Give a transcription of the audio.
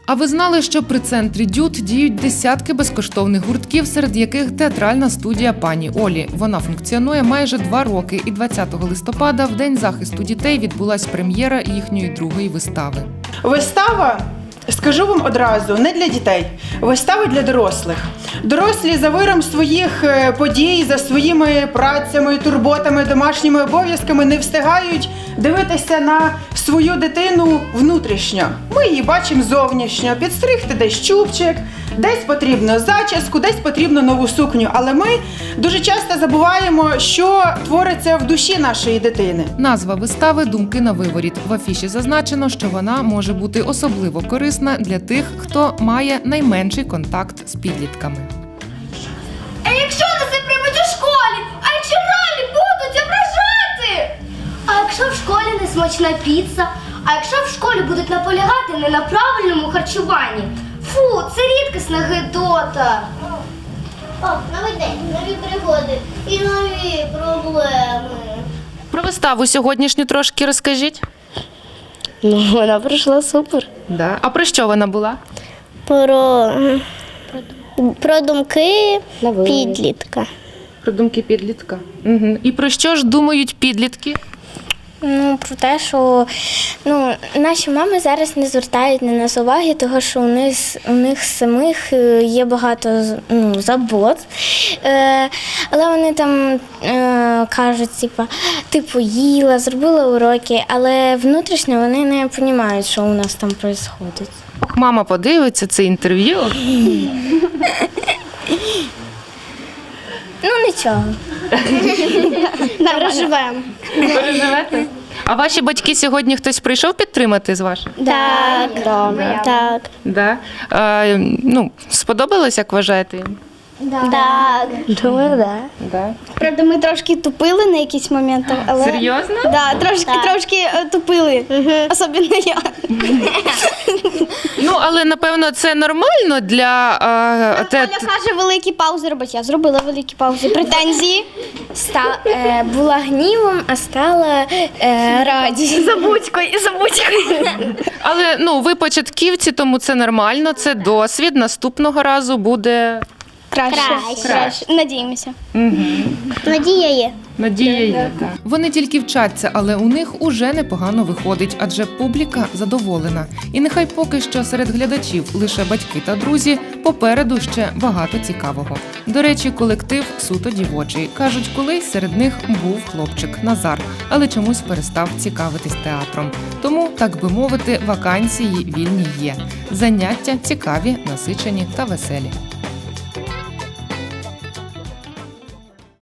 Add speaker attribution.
Speaker 1: А ви знали, що при центрі ДЮТ діють десятки безкоштовних гуртків, серед яких театральна студія пані Олі. Вона функціонує майже 2 роки, і 20 листопада, в День захисту дітей, відбулась прем'єра їхньої другої вистави.
Speaker 2: Вистава, скажу вам одразу, не для дітей. Вистава для дорослих. Дорослі за виром своїх подій, за своїми працями, турботами, домашніми обов'язками не встигають дивитися на свою дитину внутрішньо. Ми її бачимо зовнішньо, підстригти десь чубчик, десь потрібно зачіску, десь потрібно нову сукню. Але ми дуже часто забуваємо, що твориться в душі нашої дитини.
Speaker 1: Назва вистави «Думки на виворіт». В афіші зазначено, що вона може бути особливо корисна для тих, хто має найменший контакт з підлітками.
Speaker 3: А якщо нас не приймуть у школі? А якщо ролі будуть ображати? А якщо в школі не смачна піца? А якщо в школі будуть наполягати не на правильному харчуванні? Фу, це рідкісна гидота.
Speaker 4: Пап, новий день, нові пригоди і нові проблеми.
Speaker 5: Про виставу сьогоднішню трошки розкажіть.
Speaker 4: Ну, вона пройшла супер.
Speaker 5: Да. А про що вона була?
Speaker 4: Про думки підлітка.
Speaker 5: Про думки підлітка. Угу. І про що ж думають підлітки?
Speaker 4: Ну, про те, що наші мами зараз не звертають на нас уваги, тому що у них самих є багато забот. Але вони там кажуть, ти поїла, зробила уроки, але внутрішньо вони не розуміють, що у нас там відбувається.
Speaker 5: Мама подивиться це інтерв'ю.
Speaker 4: Ну, нічого. Переживемо.
Speaker 5: Переживете? А ваші батьки сьогодні хтось прийшов підтримати з ваших?
Speaker 4: Так.
Speaker 5: Да? Сподобалось, як вважаєте їм?
Speaker 4: Так. Думаю, так.
Speaker 5: Да.
Speaker 6: Правда, ми трошки тупили на якісь моменти, але...
Speaker 5: Серйозно?
Speaker 6: Да, трошки тупили, особливо я.
Speaker 5: Але, напевно, це нормально для...
Speaker 6: Оля каже великі паузи робити, я зробила великі паузи. Претензії.
Speaker 4: Була гнівом, а стала радістю.
Speaker 6: Забудькою.
Speaker 5: Але, ви початківці, тому це нормально, це досвід. Наступного разу буде...
Speaker 6: Краще. Надіємося.
Speaker 4: Надія є.
Speaker 5: Надія є, так.
Speaker 1: Вони тільки вчаться, але у них уже непогано виходить, адже публіка задоволена. І нехай поки що серед глядачів лише батьки та друзі, попереду ще багато цікавого. До речі, колектив суто дівочий. Кажуть, колись серед них був хлопчик Назар, але чомусь перестав цікавитись театром. Тому, так би мовити, вакансії вільні є. Заняття цікаві, насичені та веселі.